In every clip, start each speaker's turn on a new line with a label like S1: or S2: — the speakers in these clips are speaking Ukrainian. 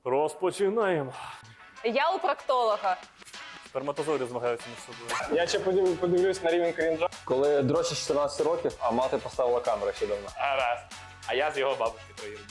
S1: Розпочинаємо.
S2: Я у проктолога.
S1: Сперматозоїди змагаються між собою.
S3: Я ще подивлюсь на рівень крінжа.
S4: Коли дрочі 14 років, а мати поставила камеру ще давно.
S1: Раз. А я з його бабушки троюрідний.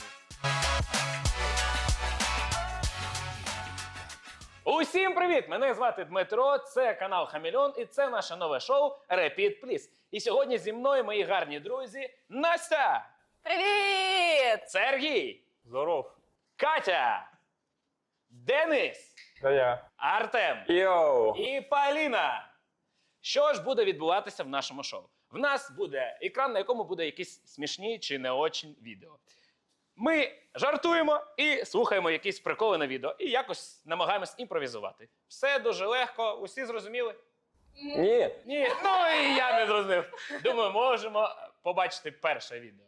S5: Усім привіт! Мене звати Дмитро, це канал Хамільон і це наше нове шоу Repeat Please. І сьогодні зі мною мої гарні друзі Настя,
S2: Привіт!
S5: Сергій,
S1: Здоров.
S5: Катя, Денис,
S3: Та я.
S5: Артем
S4: Йоу!
S5: і Поліна. Що ж буде відбуватися в нашому шоу? В нас буде екран, на якому буде якісь смішні чи не очень відео. Ми жартуємо і слухаємо якісь приколи на відео і якось намагаємось імпровізувати. Все дуже легко, усі зрозуміли?
S4: Ні!
S5: Ні, ну і я не зрозумів. Думаю, можемо побачити перше відео.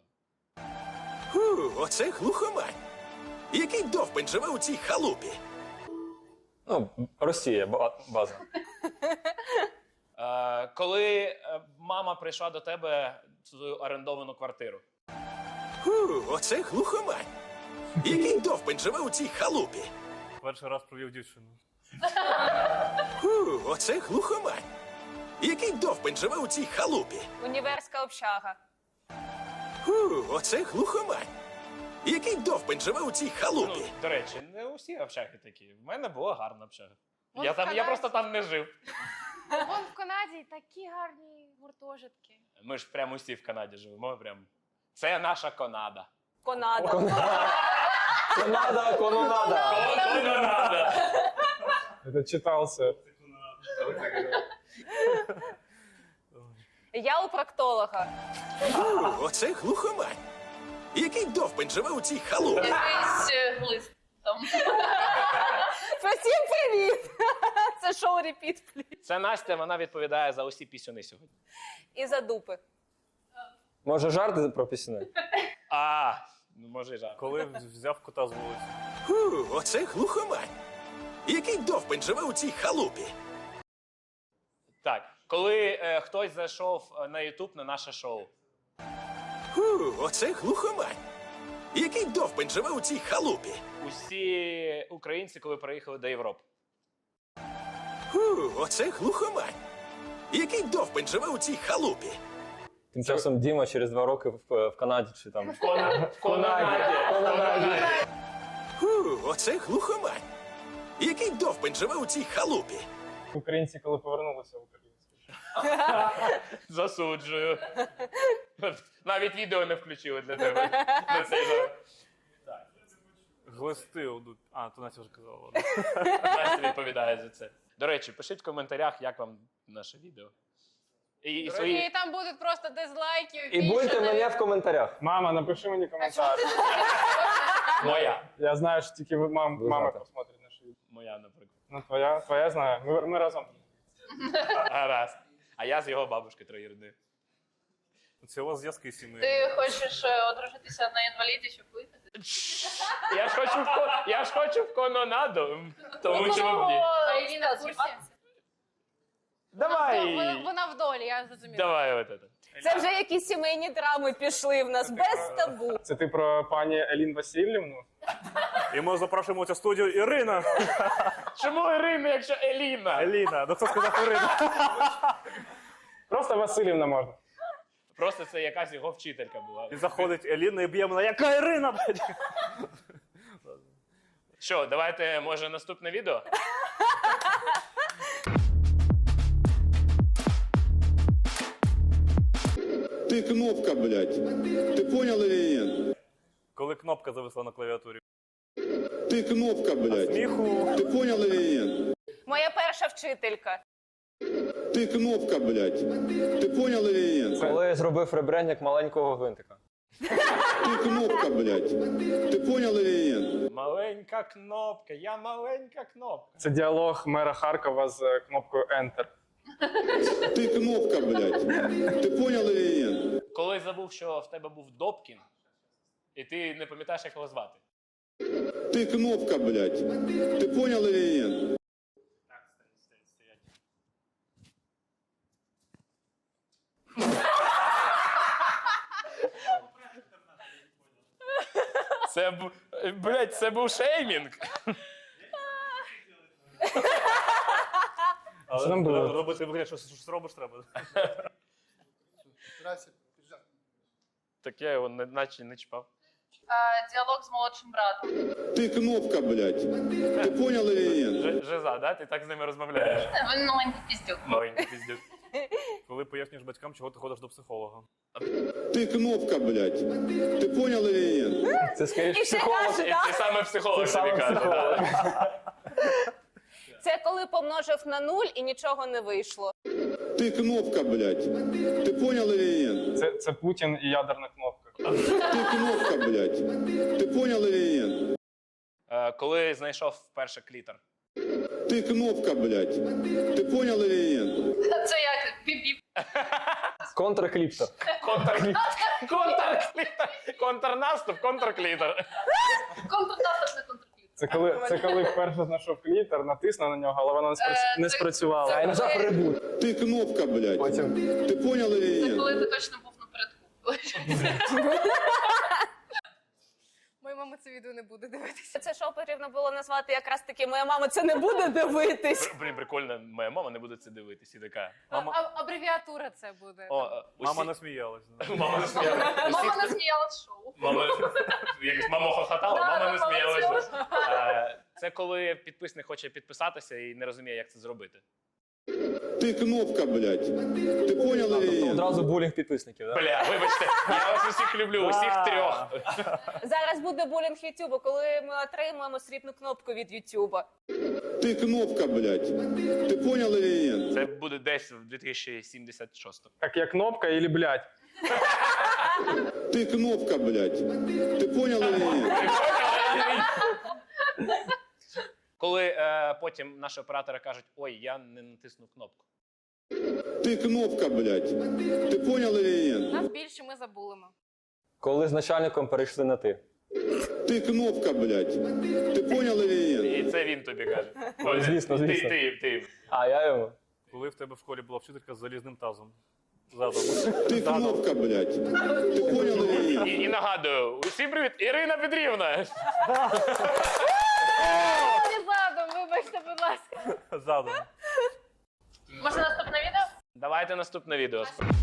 S6: Оце глухомань. Який довбень живе у цій халупі?
S4: Ну, Росія, база.
S5: Коли мама прийшла до тебе в свою орендовану квартиру.
S6: Оце глухомань. Який довбень живе у цій халупі?
S1: Перший раз провів дівчину.
S6: Оце глухомань. Який довбень живе у цій халупі?
S2: Універська общага.
S6: Оце глухомань. Який довбень живе у цій
S5: Ну,
S6: халупі?
S5: до речі, не усі общаги такі. В мене була гарна общага.
S7: Вон
S5: Я
S7: в Канаді.
S5: просто там не жив.
S7: Вон в Канаді такі гарні гуртожитки.
S5: Ми ж прямо усі в Канаді живемо. Це наша Канада.
S2: Конада.
S4: Канада, кононада!
S5: Канада!
S3: Это читался.
S2: Я у проктолога.
S6: Оце глухомань. Який довбень живе у цій халупі?
S7: Якийсь глист там.
S2: Всім привіт! Це шоу Repeat Please.
S5: Це Настя, вона відповідає за усі пісюни сьогодні.
S2: І за дупи.
S4: Може жарти про пісні?
S5: Ну може і жарт.
S1: Коли взяв кота з вулиці.
S6: Оце глухомань. Який довбень живе у цій халупі?
S5: Так, коли хтось зайшов на YouTube на наше шоу.
S6: Оце глухомань. Який довбень живе у цій халупі?
S5: Усі українці, коли приїхали до Європи.
S6: Оце глухомань. Який довбень живе у цій халупі?
S4: Тим часом Діма через 2 роки в Канаді чи там.
S5: В Канаді.
S6: Оце глухомань. Який довбень живе у цій халупі?
S3: Українці, коли повернулися в Україну.
S5: Засуджую. Навіть відео не включили для тебе. На цей жарт.
S1: Глисти одуть. То Настя вже казала. Ладно.
S5: Настя відповідає за це. До речі, пишіть в коментарях, як вам наше відео. І свої...
S7: І там будуть просто дизлайки.
S4: І будьте мене в коментарях.
S3: Мама, напиши мені коментар.
S5: Моя.
S3: Я знаю, що тільки мама
S4: знаєте.
S3: посмотрить наше відео.
S5: Моя, наприклад.
S3: Ну, твоя знаю. Ми разом.
S5: Гаразд. А я з його бабушки троюрідної.
S1: Це у вас зв'язки сімейні.
S7: Ти хочеш одружитися на інваліді, щоб вигнати?
S5: Я ж хочу в кононаду, тому чому б ні.
S7: Еліна в курсі?
S5: Давай.
S7: Вона в долі, я зрозуміла.
S5: Давай от це.
S2: Це вже якісь сімейні драми пішли в нас без табу.
S3: Це ти про пані Елін Васильівну?
S1: І ми запрошуємо у цю студію Ірина.
S5: Чому Ірина, якщо Еліна?
S1: Еліна. Ну хто сказав Ірина?
S3: Просто Васильівна можна.
S5: Просто це якась його вчителька була.
S1: І заходить Еліна і б'є мене. Яка Ірина, блядь?
S5: Що, давайте, може, наступне відео?
S8: Ты кнопка, блядь. Ты понял или нет?
S1: Коли кнопка зависла на клавіатурі.
S8: Ты кнопка, блядь.
S1: Сміху.
S8: Ты понял или нет?
S2: Моя перша вчителька.
S8: Ты кнопка, блядь. Ты понял или нет?
S4: Коли я зробив ребрендинг маленького гвинтика.
S8: Ты кнопка, блядь. Ты понял или нет?
S5: Маленька кнопка, я маленька кнопка.
S3: Це діалог мера Харкова з кнопкою Enter.
S8: Ты кнопка, блядь. Ты понял или нет?
S5: Коли забув, що в тебе був Добкін, і ти не пам'ятаєш, як його звати.
S8: Ты кнопка, блядь. Ты понял или нет?
S5: Так, стоять. Це, блядь, Молодець, це був шеймінг.
S1: Але
S3: Що там було?
S1: робити вигляд, що щось робиш треба.
S5: Так я його наче не чіпав.
S7: Діалог з молодшим братом.
S8: Ты кнопка, блядь. Ты понял или нет?
S5: Жиза, да? Ти так з ними розмовляєш?
S7: Він маленький піздюк.
S5: Маленький піздюк.
S1: Коли пояснюєш батькам, чого ти ходиш до психолога.
S8: Ты кнопка, блядь. Ты понял или нет?
S4: Це скоріше
S2: І ще
S4: психолог.
S2: каже,
S5: І
S2: да?
S5: це саме психолог
S4: Це
S5: тобі
S4: саме
S5: каже.
S4: психолог.
S5: да.
S2: Це коли помножив на 0 і нічого не вийшло.
S8: Ты кнопка, блядь. Ты понял или нет?
S3: Це Путін і ядерна кнопка.
S8: Ты кнопка, блядь. Ты понял или нет?
S5: Коли знайшов вперше клітор.
S8: Ты кнопка, блядь. Ты понял или нет?
S7: Це як? Біп-біп.
S4: Контркліптор.
S5: Контрнаступ, контрклітор.
S7: Контртастав на контркліп.
S3: Це коли вперше знайшов клітер, натиснув на нього, але вона не спрацювала.
S4: А я нажав ребут.
S8: Ты кнопка, блядь.
S4: Потім
S8: Ты понял или
S7: Це
S8: нет?
S7: коли ти точно був напередку. Моя мама це відео не буде дивитися.
S2: Це шоу потрібно було назвати якраз таки «Моя мама це не буде дивитись».
S5: Блін, прикольно, моя мама не буде це дивитись і така.
S7: Абревіатура це буде.
S1: Мама не сміялась.
S5: Мама не сміялась.
S7: Мама не сміялась шоу.
S5: Мама хохотала, мама не
S7: Да, мама не
S5: сміялася. Це коли підписник хоче підписатися і не розуміє, як це зробити.
S8: Ты кнопка, блядь. Ты понял или нет?
S4: одразу булінг підписників, да?
S5: Бля, вибачте, я вас усіх люблю, усіх трьох.
S2: Зараз буде булінг Ютуба, коли ми отримуємо срібну кнопку від Ютуба.
S8: Ты кнопка, блядь. Ты понял или нет?
S5: Це буде десь в 2076.
S3: Так як кнопка і блядь.
S8: Ты кнопка, блядь. Ты понял или нет?
S5: Коли потім наші оператори кажуть, ой, я не натиснув кнопку.
S8: Ты кнопка, блядь. Ты понял или нет?
S7: Нас більше ми забулимо.
S4: Коли з начальником перейшли на ти.
S8: Ты кнопка, блядь. Ты понял или нет?
S5: І це він тобі каже.
S4: Звісно, звісно.
S5: Ти.
S4: А я йому.
S1: Коли в тебе в школі була вчителька з залізним тазом. Задом.
S8: Ты кнопка, блядь. Ты понял или нет?
S5: І нагадую, усім привіт, Ірина Петрівна.
S7: Не задом, вибачте, будь ласка.
S1: Задом.
S7: Може наступне відео?
S5: Давайте наступне відео.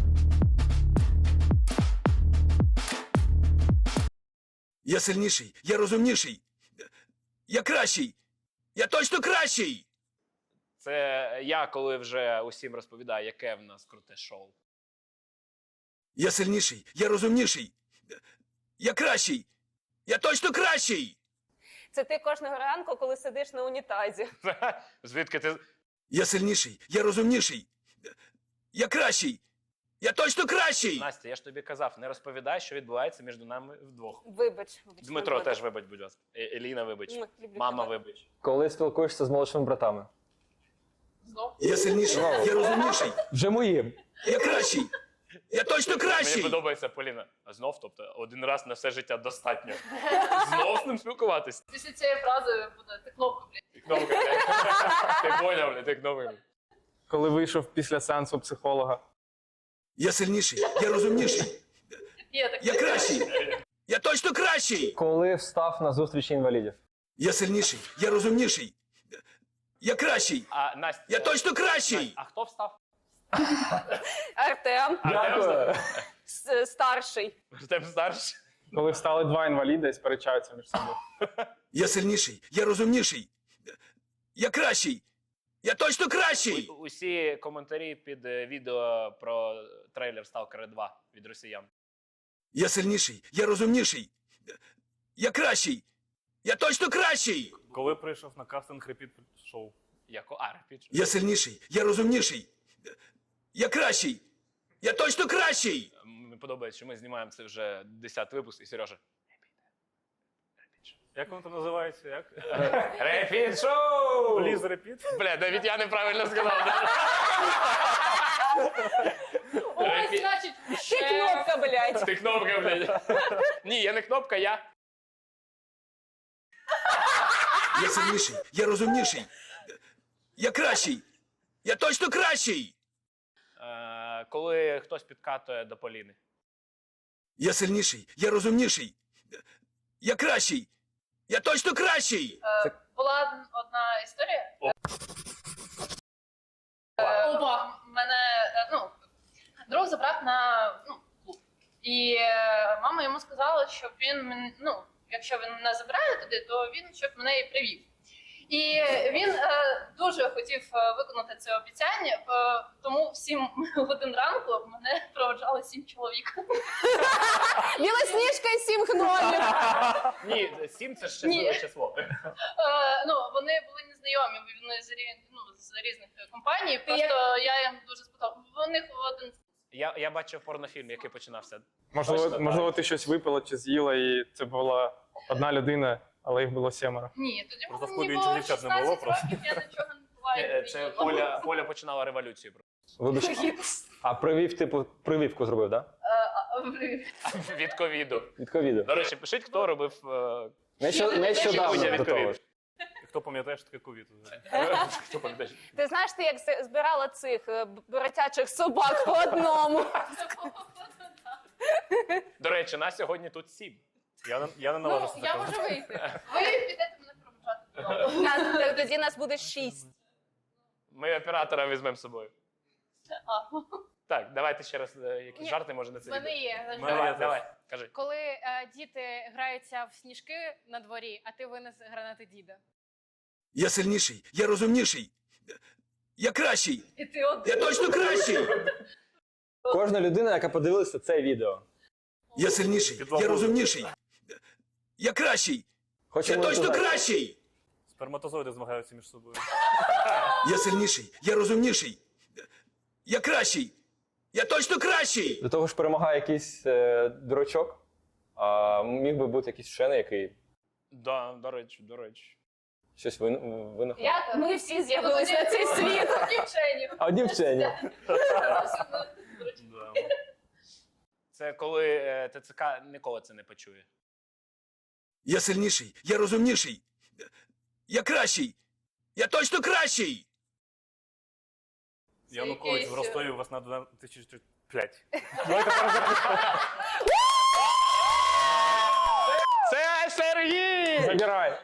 S6: Я сильніший, я розумніший. Я кращий. Я точно кращий.
S5: Це я, коли вже усім розповідаю, яке в нас круте шоу.
S6: Я сильніший, я розумніший. Я кращий. Я точно кращий.
S2: Це ти кожного ранку, коли сидиш на унітазі.
S5: Звідки ти.
S6: Я сильніший, я розумніший. Я кращий. Я точно кращий.
S5: Настя, я ж тобі казав, не розповідай, що відбувається між нами вдвох.
S2: Вибач.
S5: Дмитро теж вибач, будь ласка. Еліна, вибач.
S2: Люблю
S5: Мама,
S2: тебе.
S5: вибач.
S4: Коли спілкуєшся з молодшими братами.
S6: Я сильніший, я розумніший.
S4: Вже моїм.
S6: Я кращий. Я точно
S5: Мені
S6: кращий.
S5: подобається Поліна. А знов, тобто, один раз на все життя достатньо. Знов з ним спілкуватись.
S7: Після цієї фрази буде ти кнопку, блядь.
S5: Ти кнопка, блядь. Ти поняв, блядь, ти кнопка.
S3: Коли вийшов після сеансу психолога.
S6: Я сильніший, я розумніший.
S7: Є таке.
S6: Я кращий. Я точно кращий.
S4: Коли встав на зустрічі інвалідів.
S6: Я сильніший, я розумніший. Я кращий.
S5: А, Настя,
S6: Я точно кращий.
S5: А хто встав?
S2: Артем,
S4: Дякую.
S2: старший.
S5: Артем старший.
S3: Коли встали два інваліди і сперечаються між собою.
S6: Я сильніший, я розумніший. Я кращий. Я точно кращий.
S5: Усі коментарі під відео про трейлер Сталкера 2 від росіян.
S6: Я сильніший, я розумніший. Я кращий. Я точно кращий.
S1: Коли прийшов на кастинг репіт шоу.
S5: Репіт.
S6: Я сильніший, я розумніший. Я кращий. Я точно кращий.
S5: Мені подобається, що ми знімаємо це вже 10 випуск, і Сережа.
S1: Як воно там називається? Як?
S5: Репіт шоу!
S1: Пліз репіт?
S5: Бля, навіть я неправильно сказав.
S7: Ой, значить,
S2: Ти кнопка, блядь.
S5: Ти кнопка, блядь. Ні, я не кнопка, я.
S6: Я сильніший, я розумніший. Я кращий. Я точно кращий.
S5: Коли хтось підкатує до Поліни.
S6: Я сильніший, я розумніший. Я кращий. Я точно кращий!
S2: Була одна історія.
S7: Опа.
S2: Мене друг забрав на клуб. І мама йому сказала, щоб він якщо він мене забирає туди, то він щоб мене і привів. І він дуже хотів виконати це обіцяння, тому в 7 годин ранку мене проводжали 7 чоловік. Білосніжка і 7 гномів.
S5: Ні, 7 це щасливе число.
S2: Вони були незнайомі, вони з різних компаній, просто я їм дуже сподобав. У них один...
S5: Я бачив порнофільм, який починався.
S3: Можливо, ти щось випила чи з'їла, і це була одна людина, але їх було 7.
S2: Ні, тоді
S1: Просто в
S2: мені
S1: клубі
S2: було
S1: інших дівчат не було
S2: 16
S1: просто.
S2: років, я нічого не буваю.
S5: Це Коля починала революцію.
S4: Вибач, а прививку зробив, так?
S5: Від ковіду.
S4: Від ковіду.
S5: До речі, пишіть, хто робив
S4: Нещодавно
S5: від
S4: до того.
S5: ковіду.
S1: Хто пам'ятає, що таке ковід?
S5: Хто пам'ятає?
S2: Ти знаєш, ти як збирала цих боротячих собак по одному.
S5: До речі, нас сьогодні тут 7.
S1: Я не наважуся
S7: Я
S1: такого.
S7: можу вийти.
S2: Ви підете мене проводжати. Тоді нас буде 6.
S5: Ми оператора візьмемо з собою. Так, давайте ще раз якісь
S7: Ні,
S5: жарти, може на це
S7: В мене
S5: відео.
S7: є.
S5: Давай, кажи.
S7: Коли діти граються в сніжки на дворі, а ти винес гранати діда.
S6: Я сильніший, я розумніший. Я кращий!
S2: І ти один.
S6: Я точно кращий!
S4: Кожна людина, яка подивилася це відео,
S6: Я сильніший, я розумніший. Я кращий!
S4: хоче
S6: Я точно
S4: монетизацію.
S6: кращий!
S1: Сперматозоїди змагаються між собою.
S6: Я сильніший, я розумніший. Я кращий! Я точно кращий!
S4: До того ж перемагає якийсь дурачок, а міг би бути якийсь вчений, який
S5: Да, до речі.
S4: щось винахав.
S2: Як ми всі з'явилися на цей світ? Дівчині.
S4: А одні вчені.
S1: Да.
S5: Це коли ТЦК ніколи це не почує.
S6: Я сильніший, я розумніший. Я кращий! Я точно кращий!
S1: Янукович в Ростові вас на 2005.
S5: Це Сергій!
S3: Забирай.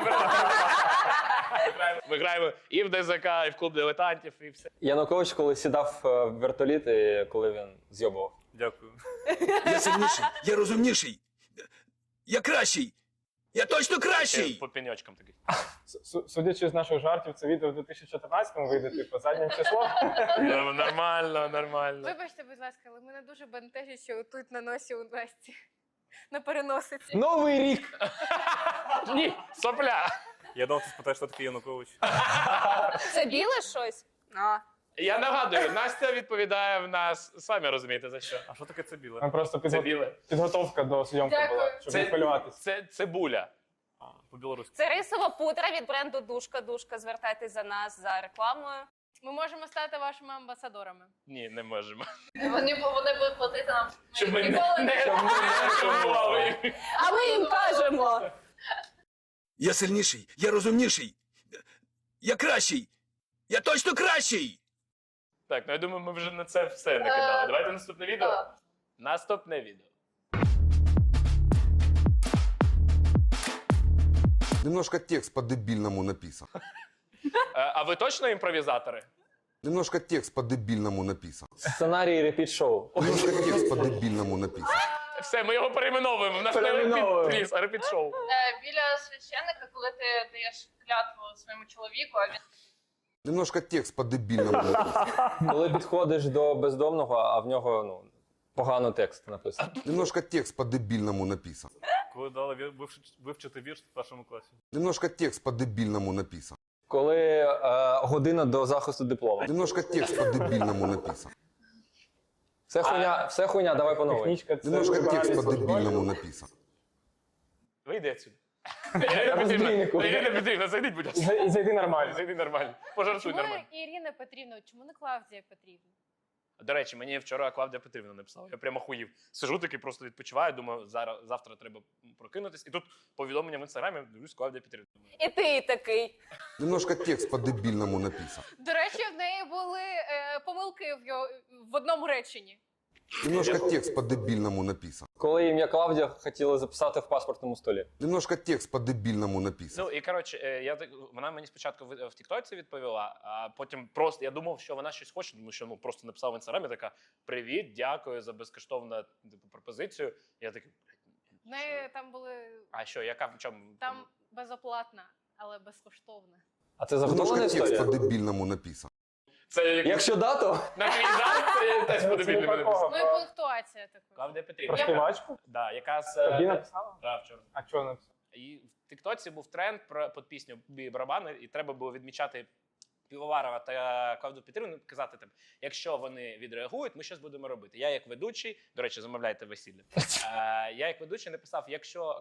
S5: Ми граємо і в ДЗК, і в клуб дилетантів, і все.
S4: Янукович, коли сідав в вертоліт, і коли він зйобував.
S1: Дякую.
S6: Я сильніший, я розумніший. Я кращий! Я точно кращий!
S5: По пеньочкам такий.
S3: Судячи з наших жартів, це відео в 2014-му вийде, типу, заднім числом.
S5: Нормально.
S7: Вибачте, будь ласка, але мене дуже бентежить, що тут на носі у Насті. На переносиці.
S4: Новий рік!
S5: Ні, сопля.
S1: Я думав, ти спитаєш, що таке Янукович.
S2: Це біле щось?
S5: Я нагадую, Настя відповідає в нас, самі розумієте за що.
S1: А що таке це біле?
S3: Там просто
S5: Це біле.
S3: підготовка до зйомки
S2: Дякую.
S3: була, щоб не хвилюватися.
S5: Це цибуля.
S1: По-білоруськи.
S2: Це рисова пудра від бренду Душка. Душка, звертайтесь за нас за рекламою.
S7: Ми можемо стати вашими амбасадорами.
S5: Ні, не можемо.
S2: Вони будуть платити нам.
S5: Щоб ми
S2: Ніколи
S5: не шокували.
S2: А ми їм кажемо.
S6: Я сильніший, я розумніший. Я кращий! Я точно кращий!
S5: Так, ну я думаю, ми вже на це все накидали. Давайте наступне відео.
S2: Так.
S5: Наступне відео.
S9: Немножко текст по-дебильному написан.
S5: А ви точно імпровізатори?
S9: Немножко текст по-дебильному написан.
S4: Сценарій репіт-шоу.
S9: Немножко текст по-дебильному написан.
S5: Все, ми його перейменовуємо. В нас не
S4: Перейменовуємо.
S5: репіт, пліз, а репіт-шоу.
S2: Біля священника, коли ти даєш клятву своєму чоловіку, а він
S9: Немножко текст по-дебильному написан.
S4: Коли підходиш до бездомного, а в нього погано текст написано.
S9: Немножко текст по-дебильному написан.
S1: Коли дали вивчити вірш в першому класі.
S9: Немножко текст по-дебильному написан.
S4: Коли година до захисту диплому.
S9: Немножко текст по-дебильному написан.
S4: Все хуйня, давай по новій.
S3: Технічка це
S9: Немножко текст
S3: вибиральність
S9: по-дебильному написан.
S5: Вийди отсюди.
S4: розбійнику.
S5: Ірина Петрівна, зайдіть, будь ласка.
S3: І зайди нормально.
S5: Зайди нормально. Пожартуй
S7: Чому
S5: нормально.
S7: Ірина Петрівна, чому не Клавдія Петрівна?
S5: До речі, мені вчора Клавдія Петрівна написала. Я прямо хуїв. Сижу такий, просто відпочиваю, думаю, завтра треба прокинутись. І тут повідомлення в інстаграмі, дивлюсь, Клавдія Петрівна.
S2: і ти такий.
S9: Немножко текст по-дебильному написан.
S7: До речі, в неї були помилки в одному реченні.
S9: Немножко текст по-дебильному написан.
S4: Коли ім'я Клавдія хотіли записати в паспортному столі.
S9: Немножко текст по-дебильному написан.
S5: Ну і коротше, вона мені спочатку в Тіктоці відповіла, а потім просто я думав, що вона щось хоче, тому що просто написав в інстаграмі така: привіт, дякую за безкоштовну пропозицію. Я такий.
S7: В неї там були.
S5: А що, яка в чому?
S7: Там безоплатна, але безкоштовна.
S4: А це заготовлена
S9: Немножко текст
S4: історія?
S9: по-дебильному написан.
S5: Це як
S4: Якщо да, то...
S5: на твій зал, це теж
S3: Це
S5: подобільно
S3: не про кого.
S7: Ну і пунктуація така.
S5: Клавдія Петрівна.
S3: Про співачку?
S5: Да, яка з
S3: Тобі написала?
S5: Да, вчора.
S3: А чого написала?
S5: І в Тіктоці був тренд під пісню «Бій барабани», і треба було відмічати Півоварова та Клавдію Петрівну, казати там, якщо вони відреагують, ми щось будемо робити. Я як ведучий, до речі, замовляйте весілля. Я як ведучий написав, якщо...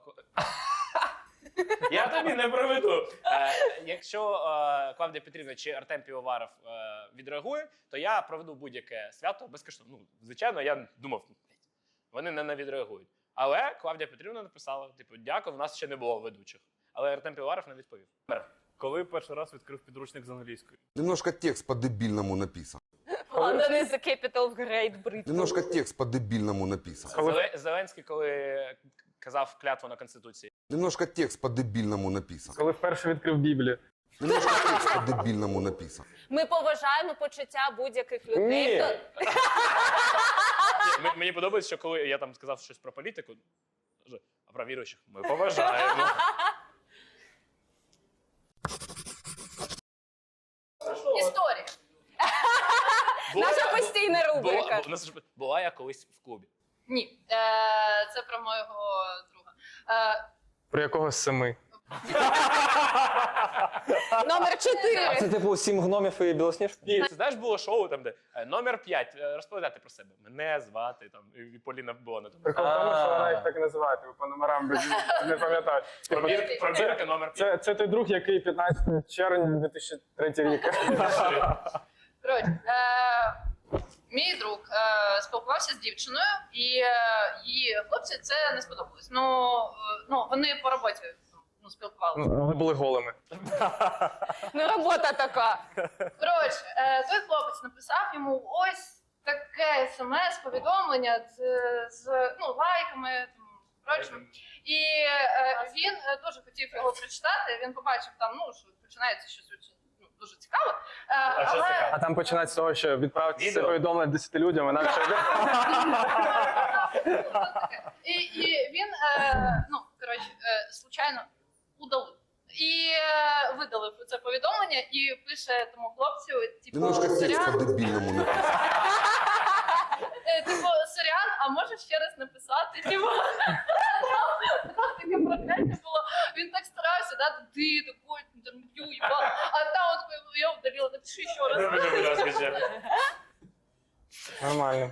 S5: Я тобі не проведу. Якщо Клавдія Петрівна чи Артем Півоваров відреагує, то я проведу будь-яке свято безкоштовно. Ну, звичайно, я думав, вони не відреагують. Але Клавдія Петрівна написала, типу, дякую, в нас ще не було ведучих. Але Артем Півоваров не відповів.
S1: Коли перший раз відкрив підручник з англійської?
S9: Немножко текст по-дебильному написан.
S10: London is the capital of Great Britain.
S9: Немножко текст по-дебильному написан.
S5: Зеленський, коли казав клятву на Конституції.
S9: Немножко текст по-дебильному написан.
S3: Коли вперше відкрив Біблію.
S9: Немножко текст по-дебильному написан.
S10: Ми поважаємо почуття будь-яких людей.
S4: Ні.
S5: Мені подобається, що коли я там сказав щось про політику, а про віруючих ми поважаємо.
S2: Історія.
S10: Наша постійна рубрика.
S5: Була я колись в клубі.
S2: Ні. Це про моєго друга.
S3: Про якого з 7?
S10: Номер
S4: А
S10: 4.
S4: це типу 7 гномів і білосніжка?
S5: Ні, це знаєш, було шоу там, де номер 5, розповідати про себе. Мене звати, там, і Поліна була на тому.
S3: Прикол в тому, що вона їх так і називає, типу, по номерам не пам'ятаю.
S5: Пробірка номер 5.
S3: Це той друг, який 15 червня 2003 рік.
S2: Коротше, мій друг спілкувався з дівчиною, і її хлопці це не сподобалось. Ну, вони по роботі спілкувалися.
S3: Вони були голими.
S10: Ну, робота така.
S2: Коротше, той хлопець написав йому ось таке смс-повідомлення з лайками. Прочим. І він дуже хотів його прочитати. Він побачив там, що починається щось дуже цікаве.
S3: А там починається з того, що відправити це
S5: Відео.
S3: повідомлення 10 людям, вона вже йде.
S2: І він, случайно удалив. І видалив це повідомлення і пише тому хлопцю,
S9: Немножко текст
S2: сорян,
S9: по-дебильному написан.
S2: сорян, а можеш ще раз написати? Таке прокляття було. Він так старався, ти такий інтерв'ю, а там я удалила, напиши ще раз.
S3: Нормально.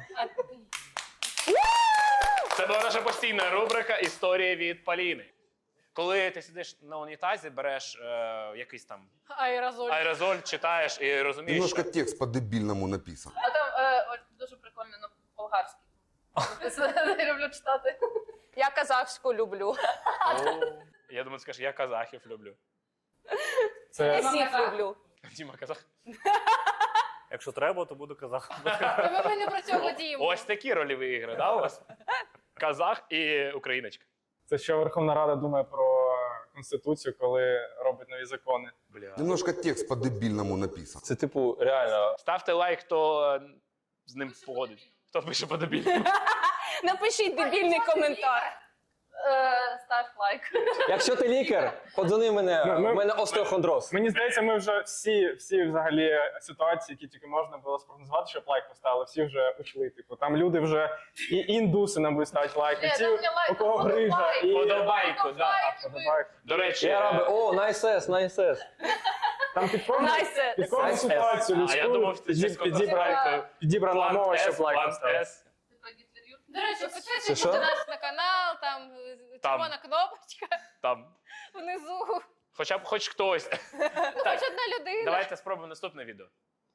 S5: Це була наша постійна рубрика «Історія від Поліни». Коли ти сидиш на унітазі, береш якийсь там
S7: Аерозоль.
S5: аерозоль, читаєш і розумієш,
S9: Немножко
S5: що...
S9: текст по-дебильному написан.
S2: А там дуже прикольно на болгарській. Я люблю читати.
S10: Я казахську люблю.
S5: Я думаю, ти скажеш, я казахів люблю.
S3: Це
S10: Я всіх люблю.
S5: Діма казах.
S1: Якщо треба, то буду казахом.
S7: Ми не про цього діємо.
S5: Ось такі рольові ігри, да, у вас? Казах і україночка.
S3: це що Верховна Рада думає про Конституцію, коли робить нові закони.
S5: Бля.
S9: Немножко текст по-дебильному написан.
S4: Це типу реально.
S5: Ставте лайк, хто з ним погодить. Хто пише по-дебільному.
S10: Напишіть дебільний коментар.
S2: Став лайк.
S4: Якщо ти лікар, подзвони мене,
S3: Ну,
S4: у мене остеохондроз.
S3: Мені здається, ми вже всі взагалі ситуації, які тільки можна було спрогнозувати, щоб лайк поставили, всі вже ушли. Типу, там люди вже і індуси нам будуть ставити лайк, і ті, у кого грижа, і
S5: Подобайку, да.
S3: подобайку.
S5: До речі,
S4: Я раби, о, найсес, найсес.
S3: Там під кожну
S5: Nice.
S3: ситуацію
S5: А я думав, це чесно
S3: підібрана мова, щоб лайк
S5: План
S3: поставити.
S5: С.
S7: До речі,
S4: Це
S7: підписуйтесь
S4: що?
S7: на нас на канал, там червона кнопочка
S5: Там.
S7: внизу.
S5: Хоча б хоч хтось.
S7: Хоч одна людина.
S5: Давайте спробуємо наступне відео.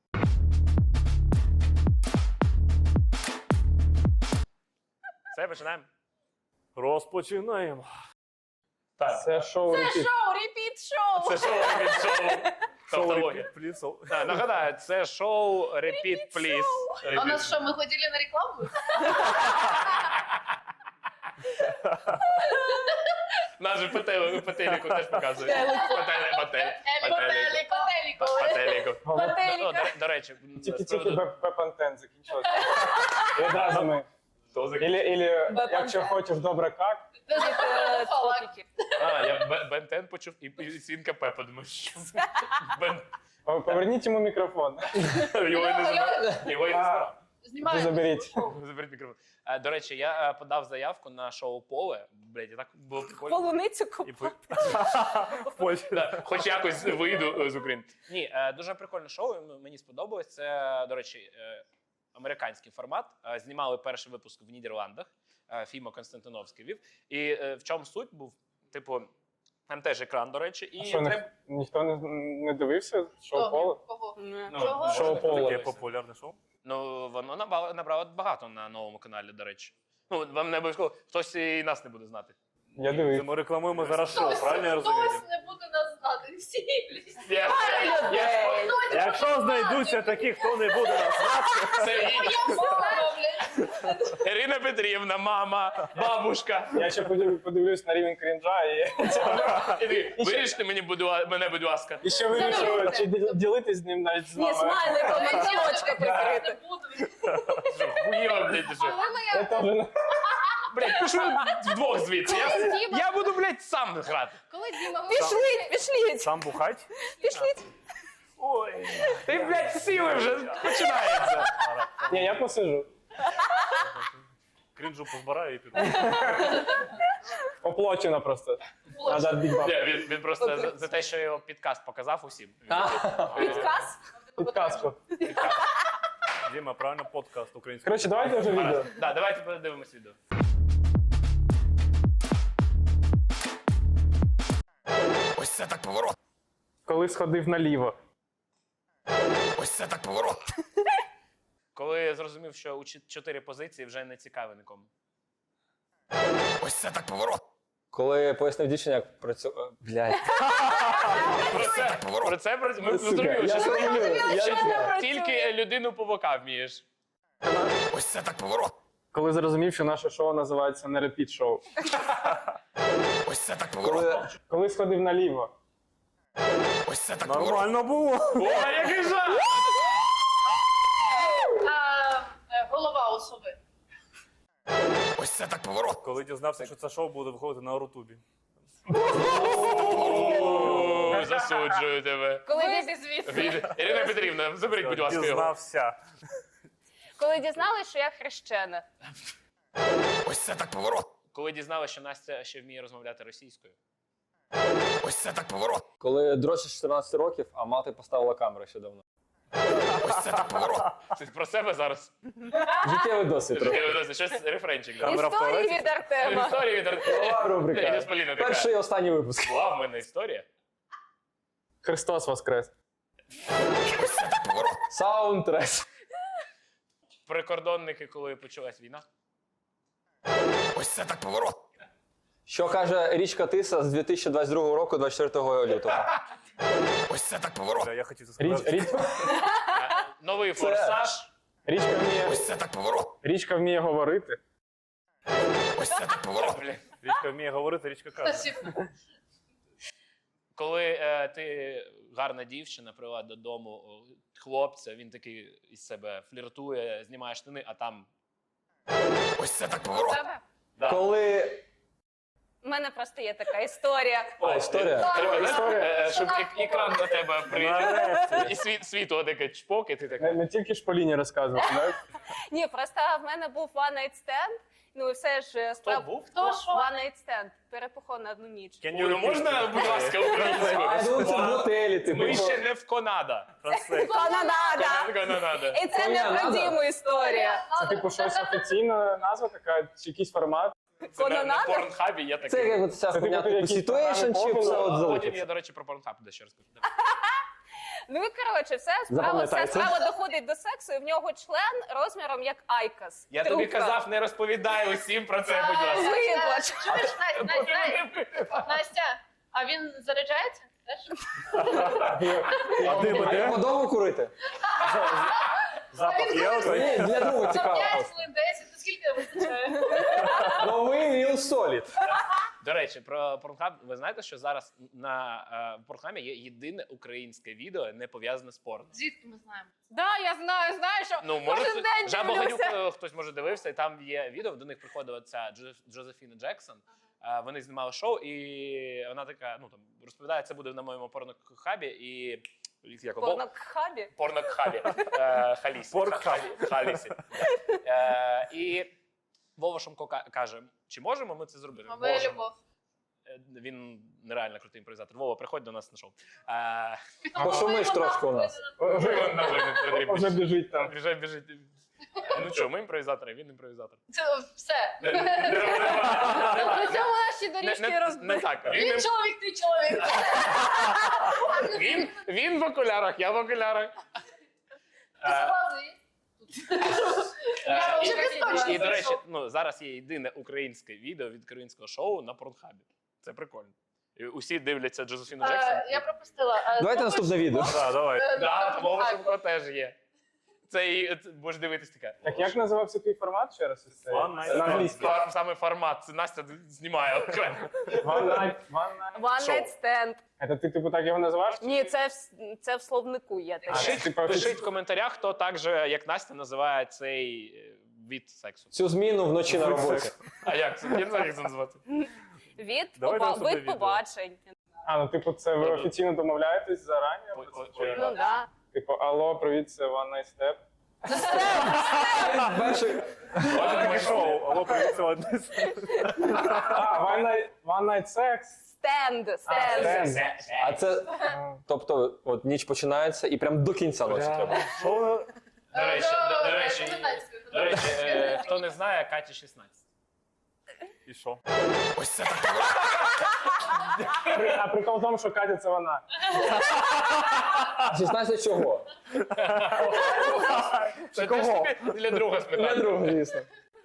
S5: Все, починаємо.
S1: Розпочинаємо.
S5: Так.
S3: Це шоу
S7: Це
S3: «Репіт».
S7: шоу, репіт шоу.
S5: Це шоу від шоу. Тавтологія.
S1: Пліцов.
S5: Нагадаю, це шоу Repeat Please.
S2: А у нас що, ми ходили на рекламу?
S5: Нас же по телеку теж показують. По телеку. Ну, до речі, з
S3: Тільки
S5: приводу-
S3: Пепантен закінчилося. І одразу ми. Ілі, якщо хочеш добре как,
S10: Котики.
S5: Я Бентен почув і свінка Пепа. Думаю, що це?
S3: поверніть йому мікрофон.
S5: Його і не збирав.
S3: Чи
S2: Знімаємо.
S3: заберіть.
S5: Заберіть мікрофон. До речі, я подав заявку на шоу Поле. Блядь, і так було прикольно.
S10: Полуницю
S1: І
S10: купила.
S1: в Польщі.
S5: Да, хоч якось вийду з України. Ні, дуже прикольне шоу, мені сподобалось. Це, до речі, американський формат. Знімали перший випуск в Нідерландах. Фіма Константиновський вів. І в чому суть був? Типу, там теж екран, до речі, і
S3: Що,
S5: треба...
S3: ніхто не дивився шоу Поле?
S2: Кого?
S5: Ну,
S2: Чого?
S3: Шоу Поле.
S1: Таке популярне шоу.
S5: Ну, воно набрало багато на новому каналі, до речі. Ну, вам не обов'язково, хтось і нас не буде знати.
S3: Я
S1: Це
S3: дивився.
S1: ми рекламуємо зараз шоу, правильно я розумію?
S2: Хтось не буде нас знати. Всі, блядь.
S1: Якщо знайдуться такі, хто не буде нас знати,
S5: Це
S2: Я мама, блядь.
S5: Ірина Петрівна, мама, бабушка.
S3: Я ще подивлюсь на рівень крінжа і
S5: Виріште мене, будь ласка.
S3: і ще вирішую, чи ділитись з ним навіть з
S10: Ні,
S3: вами.
S10: смайликом і замочка прикрити.
S2: Не буду.
S5: Хуєва, блядь, ти що?
S3: Я теж не...
S5: Блядь, пішли вдвох звідси.
S7: Діма.
S5: Я буду, блядь, сам грати.
S7: Коли Діма
S10: Пішліть.
S1: сам бухать. Ой.
S5: Ти, блядь, сіли вже починається.
S3: Ні, я посижу.
S1: Крінжу позбираю і піду.
S3: Оплачено просто. Надо бік баб.
S5: Ні, він просто за те, що його підкаст показав усім.
S10: Підказ?
S3: Підказку.
S1: Діма, правильно, подкаст український.
S3: Коротше, давайте вже відео.
S5: Да, давайте подивимось відео.
S6: Ось це так поворот.
S3: Коли сходив наліво.
S6: Ось це так поворот.
S5: Коли я зрозумів, що у 4 позиції вже не цікаві нікому.
S6: Ось це так поворот.
S4: Коли я пояснив дівчині, як працює. Блядь.
S5: Ми зрозуміли, що
S3: Я
S5: що
S3: не знаю.
S5: тільки людину по бокам вмієш.
S6: Ось це так поворот.
S3: Коли зрозумів, що наше шоу називається не репіт шоу.
S6: Ось це так поворот.
S3: Коли сходив наліво.
S6: Ось це так поворот.
S1: Нормально було.
S5: О, який жах!
S2: Голова особи.
S6: Ось це так поворот.
S1: Коли дізнався, що це шоу буде виходити на Рутубі.
S5: О, засуджую тебе.
S7: Коли звідси.
S5: Ірина Петрівна, заберіть, будь ласка, його.
S1: Дізнався.
S10: Коли дізналась, що я хрещена.
S6: Ось це так поворот.
S5: Коли дізналася, що Настя ще вміє розмовляти російською.
S6: Ось це так поворот.
S4: Коли дрочиш 14 років, а мати поставила камеру ще давно.
S6: Ось це так поворот.
S5: Ти про себе зараз?
S4: Життєвий досвід.
S5: Щось рефренчик. да?
S1: Камера в
S10: Історії
S1: туалеті?
S10: від Артема.
S5: Історія від Артема.
S4: Рубрика.
S5: Я з Поліною така.
S4: Перший і останній випуск.
S5: Була в мене історія.
S3: Христос воскрес.
S6: Ось це так поворот.
S4: Саундтрек.
S5: Прикордонники, коли почалась війна.
S6: Ось це так поворот.
S4: Що каже річка Тиса з 2022 року, 24 лютого?
S6: Ось це так поворот.
S1: Я хотів це сказати.
S5: Новий форсаж.
S6: Ось це так поворот.
S3: Річка вміє говорити.
S6: Ось це так поворот.
S5: Блін.
S1: Річка вміє говорити, річка каже.
S2: Спасибо.
S5: Коли ти гарна дівчина, привела додому хлопця, він такий із себе фліртує, знімає штани, а там...
S6: Ось це так поворот.
S5: Да.
S4: Коли...
S10: У мене просто є така історія.
S4: історія?
S5: Треба,
S3: Історія.
S5: щоб екран до тебе приїхав. І світло таке чпок, і ти так...
S3: Не тільки Шполіні розказувати, так?
S10: Ні, просто в мене був one night stand. Ну і все ж
S5: Хто був?
S2: Хто що?
S10: One night stand. Перепухов на одну ніч.
S1: Can you
S5: Юлю,
S1: repeat
S5: можна,
S1: that?
S5: будь ласка,
S4: А я думав, це в
S5: українською?
S4: готелі, типу.
S5: Ми ще не в Конада.
S1: Translate.
S10: Канада!
S5: Канада.
S10: І це не про Діму історія.
S3: Це типу щось офіційна назва така, чи якийсь формат.
S5: Це на
S10: Канада?
S5: порнхабі є
S4: Це
S5: такий.
S4: як от ця
S3: Це
S4: хуйня,
S3: типу
S4: типу
S3: якісь
S4: situation, чи
S3: програми
S4: все от
S5: Потім
S4: залишиться?
S5: я, до речі, про порнхаб дещо розкажу.
S10: Ну і коротше, вся
S4: Запам'ятайте.
S10: справа доходить до сексу, і в нього член розміром як айкос.
S5: Я тобі казав, не розповідай усім про це, будь ласка.
S10: Виплач.
S2: Чуєш, Настя, а він заряджається? теж.
S1: А дим
S4: А
S1: іде?
S4: його довго курити?
S1: Запах є? отой?
S4: Ні, для другого
S2: За
S4: цікаво
S2: 5
S4: просто.
S2: хвилин 10, то скільки вистачає?
S4: Новий Real Solid.
S5: До речі, про Pornhub, ви знаєте, що зараз на Pornhub є єдине українське відео, не пов'язане з порно.
S2: Звідки ми знаємо?
S7: Да, я знаю, що
S5: Ну, може,
S7: кожен день
S5: Жаба Ганюк,
S7: дивлюся.
S5: хтось може дивився, і там є відео, до них приходила ця Джозефіна Джексон. Вони знімали шоу, і вона така, ну там розповідає, це буде на моєму порнохабі, і як
S10: Порнохабі.
S5: порнохабі. Халісі.
S1: Порнхабі.
S5: Халісі. І Вова Шумко каже, чи можемо ми це зробити?
S2: Моя
S5: Можемо.
S2: любов.
S5: Він нереально крутий імпровізатор. Вова, приходь до нас на шоу.
S4: Пошумиш трошки у нас.
S3: Вже біжить там.
S5: Біжить. Ну що, ми імпровізатори, він імпровізатор.
S2: Це все.
S7: На цьому наші доріжки
S5: Не
S7: розбили.
S5: так.
S2: Він чоловік, ти чоловік.
S5: Він в окулярах, я в окулярах.
S2: Ти согласний? Я вже безточно
S5: І, до речі,
S2: зайшов.
S5: ну, зараз є єдине українське відео від українського шоу на Порнхабі. Це прикольно. І усі дивляться Джозефіну Джексон.
S2: Я пропустила.
S4: Давайте наступне відео.
S1: Так, давай.
S5: Так, Вова Шумко теж є. Це будеш дивитись таке.
S3: Так як називався твій формат ще раз? Ось цей?
S1: One Night
S3: На англійській.
S5: Саме формат. Це Настя знімає окремо.
S3: One night.
S10: One night stand.
S3: Це ти типу так його називаєш?
S10: Ні, це в словнику є таке.
S3: це, типу,
S5: Пишіть в коментарях, хто так же, як Настя, називає цей від сексу.
S4: Цю зміну вночі на роботі.
S5: А як це? Я не знаю, як це назвати.
S1: Давайте наступне
S10: Вид
S1: відео.
S10: побачень.
S3: А, ну типу, це ви офіційно домовляєтесь зарані?
S10: Ну да.
S3: Типу, алло, привіт, це One Night Step.
S4: Перший.
S1: Це таке шоу. Алло, привіт, це одне.
S3: А, One Night Sex.
S10: Стенд.
S4: А це, тобто, от ніч починається і прям до кінця ночі треба.
S1: Шоу
S5: До речі, хто не знає, Каті 16.
S1: і що?
S6: Ось це так.
S3: А прикол в тому, що Катя це вона.
S4: 16 чого?
S5: Це кого? Для друга
S4: Для
S5: спитати.
S4: другого, звісно.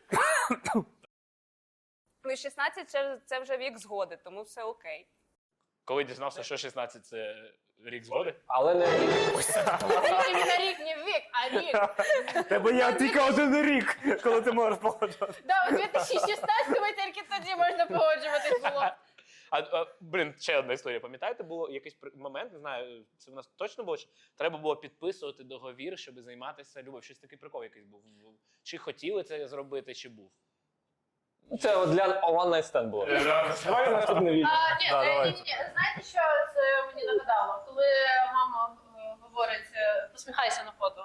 S10: Ну і 16 це вже вік згоди, тому все окей.
S5: Коли дізнався, що 16 це рік згоди?
S4: Але не
S7: Не рік, не вік, а рік.
S1: Тебе є тільки один рік, коли ти можеш погоджувати.
S7: Да, у 2016-му тільки тоді можна погоджуватись було.
S5: Блін, ще одна історія. Пам'ятаєте, було якийсь момент, не знаю, це в нас точно було, що треба було підписувати договір, щоб займатися любов'ю. Щось такий прикол якийсь був. Чи хотіли це зробити, чи був?
S4: це от для One Night Stand було.
S3: Давай наступне відео.
S2: Ні,
S1: Да,
S2: ні,
S1: давайте.
S2: ні. Знаєте, що це мені нагадало? Коли мама говорить, посміхайся на фото.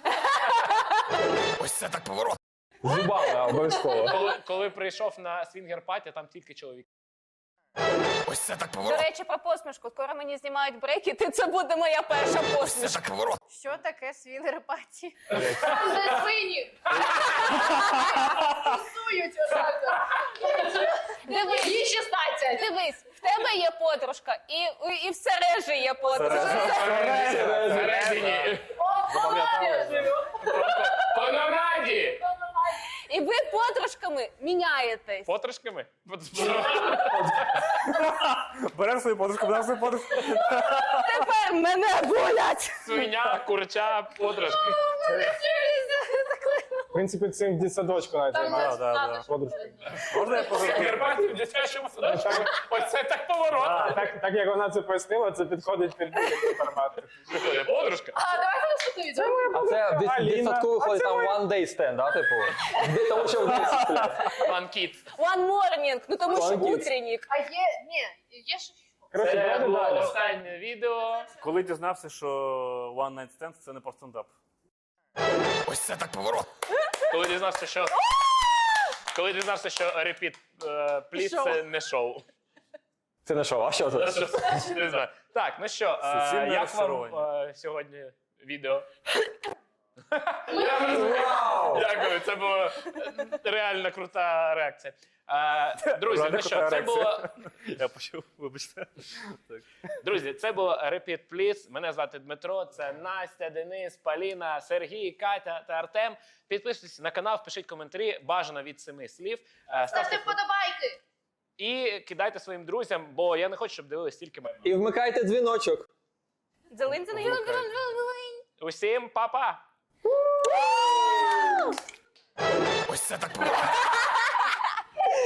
S6: Ось це так поворот.
S4: З зубами обов'язково.
S5: Коли прийшов на свінгер-паті, там тільки чоловік.
S6: Ось це так
S10: До
S6: поворот.
S10: речі, про посмішку. Скоро мені знімають брекети, це буде моя перша
S6: Ось це
S10: посмішка.
S6: так поворот.
S7: Що таке свінгер-паті?
S2: Там де свині. Тусують отак.
S10: Дивись,
S2: Їй 16.
S10: дивись, в тебе є подружка, і в Сережі є подружка.
S5: Всередині. По нараді!
S10: І ви подружками міняєтесь.
S5: Потрошками?
S1: Беремо свою подружку, беремо свою подружку.
S10: Тепер мене болять.
S5: Свиня, курча, потрошки.
S3: В принципі, цим в дитсадочку навіть
S2: Там
S3: займається.
S1: да.
S3: Подружка.
S1: Можна я подружку?
S5: Свінгер-паті в дитячому садочку. Ось це так поворот.
S3: Так як вона це пояснила, це підходить під будь-який формат.
S5: Приходить подружка.
S2: А, давайте наступне відео.
S4: А це в
S3: Аліна.
S4: дитсадку виходить
S3: А це
S4: там One Day Stand, да, типу? Тому що в 10 стріляє.
S5: One Kid.
S10: One morning, ну тому що
S4: One kids.
S10: утренник.
S2: А є, ні, є ще що.
S3: Коротше,
S5: Це
S3: давайте
S5: було
S3: далі.
S5: останнє відео.
S1: Коли дізнався, що One Night Stand це не про стендап.
S6: Ось це так поворот.
S5: Коли дізнався, що... Коли дізнався, що Repeat Please це не шоу.
S4: Це не шоу, а що це?
S5: Не знаю. Так, ну що,
S1: Суцільне
S5: як вам
S1: розчарування.
S5: сьогодні відео? Дякую, це була реально крута реакція. Друзі,
S1: Реально
S5: ну що,
S1: крута
S5: це
S1: реакція.
S5: було...
S1: Я почув, вибачте. Так.
S5: Друзі, це було Repeat Please. Мене звати Дмитро, це Настя, Денис, Поліна, Сергій, Катя та Артем. Підписуйтесь на канал, пишіть коментарі, бажано від 7 слів.
S2: Ставте вподобайки.
S5: і кидайте своїм друзям, бо я не хочу, щоб дивились тільки мене.
S4: І вмикайте дзвіночок.
S10: Дзелинь.
S5: Усім па-па!
S6: Ось це так.